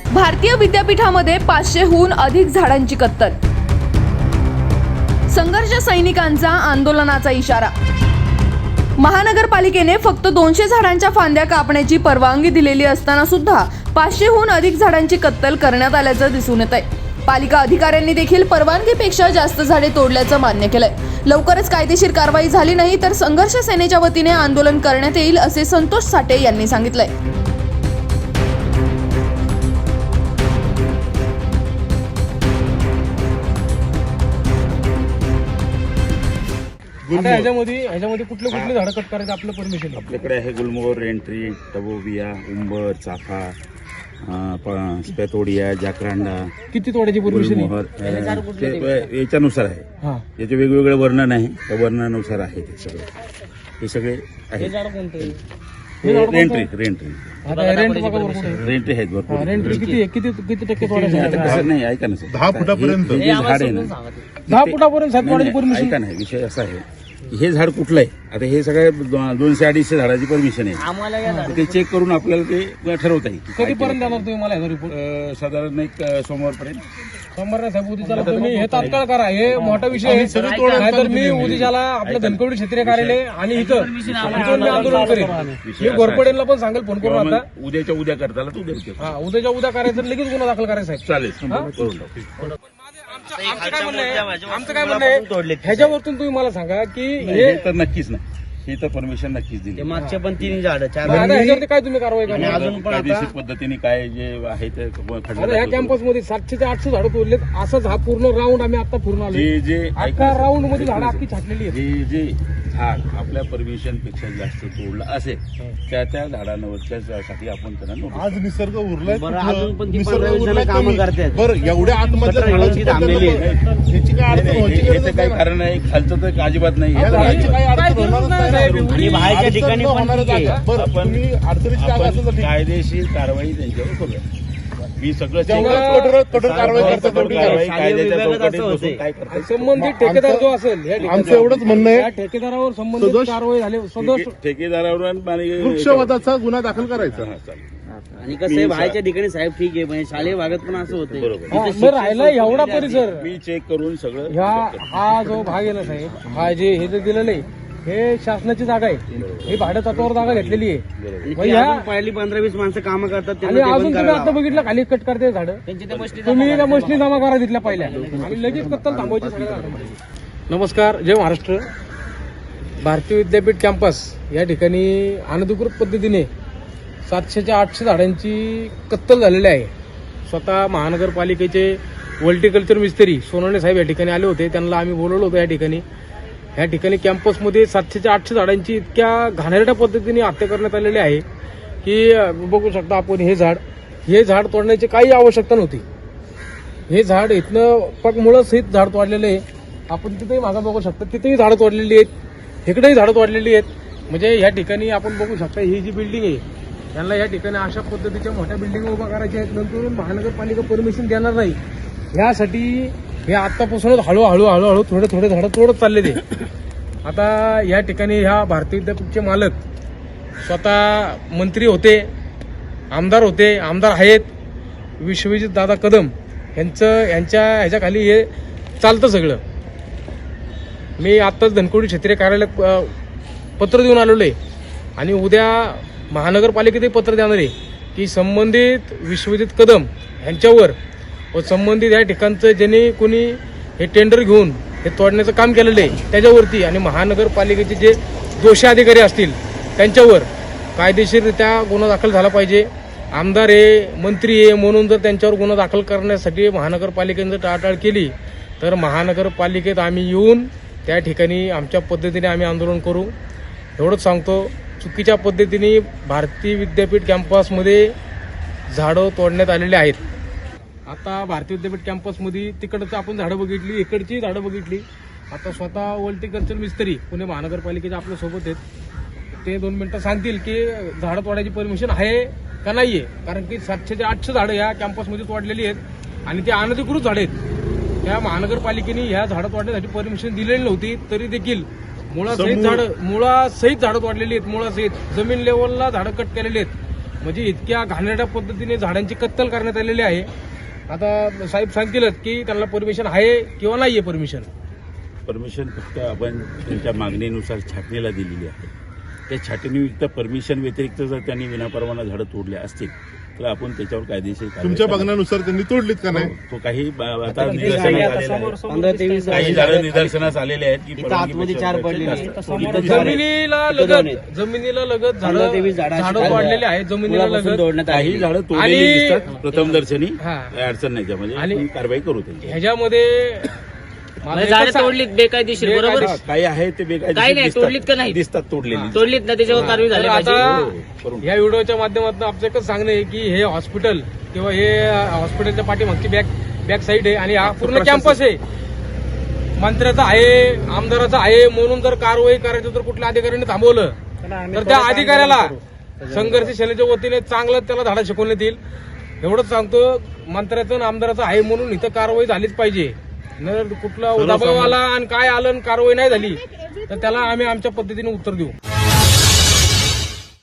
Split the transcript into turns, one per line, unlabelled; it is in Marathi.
भारतीय विद्यापीठामध्ये 500हून अधिक झाडांची कत्तल. संघर्ष सैनिकांचा आंदोलनाचा इशारा. महानगरपालिकेने फक्त 200 झाडांच्या फांद्या कापण्याची परवानगी दिलेली असताना सुद्धा 500हून अधिक झाडांची कत्तल करण्यात आल्याचं दिसून येत आहे. पालिका अधिकाऱ्यांनी देखील परवानगीपेक्षा जास्त झाडे तोडल्याचं मान्य केलंय. लवकरच कायदेशीर कारवाई झाली नाही तर संघर्ष सेनेच्या वतीने आंदोलन करण्यात येईल असे संतोष साठे यांनी सांगितलंय.
आता ह्याच्यामध्ये कुठले झाडं कट करायचं आपलं परमिशन?
आपल्याकडे आहे गुलमोहर, रेंट्री, टबोबिया, उंबर, चाफा, स्पॅथोडिया, जाकरांडा.
किती तोड्याची परमिशन?
याच्यानुसार आहे. याचे वेगवेगळे वर्णन आहे, त्या वर्णनानुसार आहे ते सगळे. हे सगळे आहे. रेंट्री आहेत भरपूर.
रेंट्री किती टक्के तोडायचं?
नाही, ऐका ना सर,
10 फुटापर्यंत
झाड आहे ना,
10 फुटापर्यंत तोडायची परमिशन.
ऐका नाही, विषय असा आहे, हे झाड कुठलं आहे, आता हे सगळे 200-250 झाडाची परमिशन आहे. ते चेक करून आपल्याला ते ठरवता येईल.
कधीपर्यंत देणार तुम्ही मला रिपोर्ट?
साधारण एक सोमवारपर्यंत.
सोमवार नाही साहेब, उद्याला तुम्ही हे तात्काळ करा. हे मोठा विषय आहे. नाहीतर मी उद्याला आपल्या धनकवडी क्षेत्रीय कार्यालय आणि इथं मी आंदोलन करेन. मी घोरपडेला पण सांगेल फोन करून. आता
उद्याच्या उद्या करताला तू
उद्याच्या उद्या करायचं, लगेच गुन्हा दाखल करायचा साहेब.
चालेल, करून टाकू.
आमचं काय म्हणणं आहे, ह्याच्यावरतून तुम्ही मला सांगा की
हे तर नक्कीच नाही, हे तर परमिशन नक्कीच दिली.
मागच्या पण 3 झाडं 4
ह्याच्यावरती काय तुम्ही कारवाई करणार?
अजून पण
कायदेशीर पद्धतीने काय जे आहे ते
आता ह्या कॅम्पस मध्ये 700 ते 800 झाडं तोडलेत. असंच हा पूर्ण राऊंड आम्ही आता फिरून आलो.
जे
अख्खा राऊंड मध्ये झाडं अख्खी छाटलेली आहेत.
जे झाड आपल्या परमिशन पेक्षा जास्त तोडलं असेल त्या झाडांवरच्या साठी आपण त्यांना नोटीस.
आज निसर्ग उरलाय,
अजून पण ती
निसर्ग
15
उरलाय
कामं
कमी.
करतात.
बरं, एवढ्या आतमधल्या झाडांची
थांबलेली आहे.
ह्याची काय अडचण व्हायची गरज
याचं काही कारण नाही, खालचं तर अजिबात नाही.
या झाडांची काही अडचण होणारच नाही साहेब.
आणि बाहेरच्या ठिकाणी पण
होणारच
ठीक आहे.
आहे. बरं, तुम्ही अडचणीची जागा असेल तर ठीक.
कायदेशीर कारवाई त्यांच्यावर करूया. मी सगळं
जेवढं कठोर कारवाई करतात तेवढी कारवाई.
कायद्याच्या
शालेय
चौकटीत
विभागात
बसून
असं
काय करतात.
संबंधित ठेकेदार जो असेल या ठिकाणी,
आमचं एवढंच म्हणणं
त्या
आहे,
ठेकेदारावर संबंधित
सदोष
कारवाई झाली. सदोष
ठेकेदारावर आणि
वृक्षवधाचा गुन्हा दाखल करायचा.
हा, चालेल.
आणि कसं आहे, बाहेरच्या ठिकाणी साहेब ठीक आहे, म्हणजे शालेय भागात पण असं होतं.
बरोबर.
मग राहिला एवढा परिसर.
मी चेक करून सगळं
हा जो भाग आहे ना साहेब, हा जे हे जे दिलेलं आहे हे शासनाची जागा आहे. ही भाड्या तत्वावर जागा घेतलेली आहे.
आणि
मग
ती
ह्या-
अजून पहिली 15-20 माणसं कामं करतात.
आणि
त्यांना ते
अजून
बंद
तुम्ही
करायला
आता बघितलं खाली कट करते झाडं.
त्यांची त्या मशनी
तुम्ही त्या मशनी जमा करा तिथल्या पहिल्या आणि लगेच कत्तल थांबवायची सगळ्या झाडांमध्ये. नमस्कार, जय महाराष्ट्र. भारतीय विद्यापीठ कॅम्पस या ठिकाणी अनधिकृत पद्धतीने 700 ते 800 झाडांची कत्तल झालेली आहे. स्वतः महानगरपालिकेचे व्हर्टिकल्चर मिस्त्री सोनवणे साहेब या ठिकाणी आले होते. त्यांना आम्ही बोलवलं होतं. या ठिकाणी कॅम्पसमध्ये 700 ते 800 झाडांची इतक्या घाणेरड्या पद्धतीने हत्या करण्यात आलेली आहे की बघू शकता आपण. हे झाड तोडण्याची काही आवश्यकता नव्हती. हे झाड इथनं पग मुळं सहित झाड तोडलेलं आहे. आपण तिथेही मागं बघू शकता, तिथेही झाडं तोडलेली आहेत, इकडेही झाडं तोडलेली आहेत. म्हणजे या ठिकाणी आपण बघू शकता ही जी बिल्डिंग आहे, त्यांना या ठिकाणी अशा पद्धतीच्या मोठ्या बिल्डिंग उभा करायच्या आहेत. नंतर महानगरपालिका परमिशन देणार नाही. यासाठी हे आत्तापासूनच हळूहळू थोडे झाडं तोडत चालले ते. आता या ठिकाणी ह्या भारतीय विद्यापीठचे मालक स्वतः मंत्री होते, आमदार होते, आमदार आहेत, विश्वजित दादा कदम यांच्या ह्याच्याखाली हे चालतं सगळं. मी आत्ताच धनकवडी क्षेत्रीय कार्यालयात पत्र देऊन आलेलो आहे आणि उद्या महानगरपालिकेतही पत्र देणार आहे की संबंधित विश्वजित कदम यांच्यावर व संबंधित या ठिकाणचं ज्यांनी कोणी हे टेंडर घेऊन हे तोडण्याचं काम केलेलं आहे त्याच्यावरती आणि महानगरपालिकेचे जे दोषी अधिकारी असतील त्यांच्यावर कायदेशीररित्या गुन्हा दाखल झाला पाहिजे. आमदार आहे, मंत्री आहे म्हणून जर त्यांच्यावर गुन्हा दाखल करण्यासाठी महानगरपालिकेने जर टाळाटाळ केली तर महानगरपालिकेत आम्ही येऊन त्या ठिकाणी आमच्या पद्धतीने आम्ही आंदोलन करू. एवढंच सांगतो. चुकीच्या पद्धतीने भारतीय विद्यापीठ कॅम्पसमध्ये झाडं तोडण्यात आलेली आहेत. आता भारतीय विद्यापीठ कॅम्पसमध्ये तिकडचं आपण झाडं बघितली, इकडची झाडं बघितली. आता स्वतः व्हर्टिकल्चर मिस्त्री पुणे महानगरपालिकेचे आपल्यासोबत आहेत. ते 2 मिनिटं सांगतील की झाडं तोडायची परमिशन आहे का नाही आहे. कारण की 700 ते 800 झाडं या कॅम्पसमध्ये तोडलेली आहेत आणि ते अनधिकृत झाडं आहेत. त्या महानगरपालिकेने ह्या झाडं तोडण्यासाठी परमिशन दिलेली नव्हती तरी देखील मुळासहित झाडं तोडलेली आहेत. मुळासहित जमीन लेवलला झाडं कट केलेली आहेत. म्हणजे इतक्या घाणेरड्या पद्धतीने झाडांची कत्तल करण्यात आलेली आहे. आता साहेब सांगतीलच की त्यांना परमिशन आहे किंवा नाहीये परमिशन.
परमिशन फक्त आपण त्यांच्या मागणीनुसार छाटणीला दिलेली आहे. त्या छाटणीयुक्त परमिशन व्यतिरिक्त जर त्यांनी विनापरवाना झाडं तोडले असतील तर आपण त्याच्यावर कायदेशीर कारवाई
तुमच्या
करणार.
बघण्यानुसार त्यांनी तोडलीत का नाही?
तो काही आता निदर्शनास आलेला आहे.
15-23
काही झाडं निदर्शनास आलेले आहेत की
इथं आतमध्ये 4 पडलेली आहेत.
परवानगी
जमिनीला लगत
15-23
झाडं वाढलेले आहेत जमिनीला
मुळापासून
लगत.
तोडण्यात
काही
आली.
झाडं तोडलेली
आणि-
दिसतात प्रथम दर्शनी.
हा.
काही अडचण नाही त्यामध्ये
आणि-
आपण कारवाई करू त्यांची.
ह्याच्यामध्ये माझं
झाडं
एकच सांग-
तोडलीत बेकायदेशीर बरोबर
हा, काही आहे ते
काही
बेकायदेशीर
नाही, तोडलीत का नाही?
दिसतात तोडलेली.
तोडलीत ना त्याच्यावर कारवाई झाली
तर
पाहिजे.
आता
हो, करून.
या व्हिडिओच्या माध्यमातून आमचं एकच सांगणं आहे की हे हॉस्पिटल किंवा हे हॉस्पिटलच्या पाठीमागची बॅक साईड आहे आणि हा पूर्ण कॅम्पस आहे. मंत्र्याचा आहे, आमदाराचा आहे म्हणून जर कारवाई करायचं तर कुठल्या अधिकाऱ्यांनी थांबवलं तर त्या अधिकाऱ्याला संघर्ष सेनेच्या वतीने चांगलं त्याला धडा शिकवण्यात येईल. एवढंच सांगतो, मंत्र्याचं आणि आमदाराचं आहे म्हणून इथं कारवाई झालीच पाहिजे. न कुठला दबाव आला आणि काय आलं आणि कारवाई नाही झाली तर त्याला आम्ही आमच्या पद्धतीने उत्तर देऊ.